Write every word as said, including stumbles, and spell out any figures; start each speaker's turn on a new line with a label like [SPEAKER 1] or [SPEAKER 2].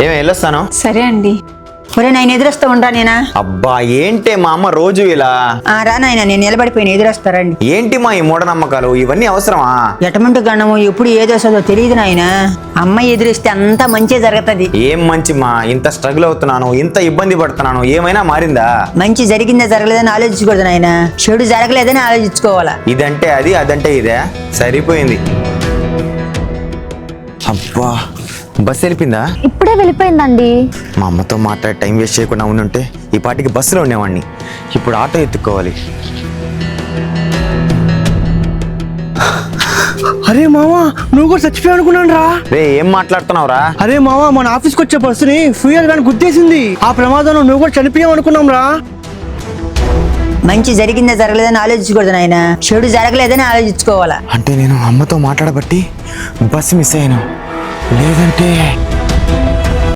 [SPEAKER 1] ఏమి వెళ్ళొస్తాను.
[SPEAKER 2] సరే అండి.
[SPEAKER 3] ఒరే నాయన ఎదురొస్తా ఉంటా నేనా.
[SPEAKER 1] అబ్బా ఏంటే మా అమ్మ రోజు ఇలా.
[SPEAKER 3] ఆ రా నాయన నేను నిలబడిపోయిన ఎదురొస్తారండి.
[SPEAKER 1] ఏంటి మా ఈ మూఢనమ్మకాలు, ఇవన్నీ అవసరమా?
[SPEAKER 3] ఎటమంటు గణము ఎప్పుడు ఏది వస్తుందో తెలియదు నాయన. అమ్మాయి ఎదురిస్తే అంతా మంచి జరుగుతుంది.
[SPEAKER 1] ఏం మంచి మా, ఇంత స్ట్రగుల్ అవుతున్నాను, ఇంత ఇబ్బంది పడుతున్నాను, ఏమైనా మారిందా?
[SPEAKER 3] మంచి జరిగిందా జరగలేదని ఆలోచించకూడదు నాయన, చెడు జరగలేదని ఆలోచించుకోవాలా.
[SPEAKER 1] ఇదంటే అది, అదంటే ఇదే, సరిపోయింది. అబ్బా బస్సు వెళ్ళిపోయిందా?
[SPEAKER 4] ఇప్పుడే వెళ్ళిపోయిందండి.
[SPEAKER 1] మా అమ్మతో మాట్లాడి టైం వేస్ట్ చేయకుండా ఉండుంటే ఈ పాటికి బస్సులో ఉండేవాడిని. ఇప్పుడు ఆటో ఎత్తుక్కోవాలి.
[SPEAKER 5] అరే మావా, నువ్వు కూడా చచ్చిపోయావు అనుకున్నాను రా.
[SPEAKER 1] రే ఏం మాట్లాడుతున్నావురా?
[SPEAKER 5] అరే మావా, మన ఆఫీస్కి వచ్చే బస్సుని ఫ్యూయల్ వ్యాన్ గుద్దేసింది. ఆ ప్రమాదంలో నువ్వు కూడా చనిపోయావు అనుకున్నాం రా.
[SPEAKER 3] మంచి జరిగిందా జరగలేదని ఆలోచించకూడదు నాయన, చెడు జరగలేదని ఆలోచించుకోవాలా.
[SPEAKER 1] అంటే నేను అమ్మతో మాట్లాడబట్టి బస్సు మిస్ అయ్యాను, లేదంటే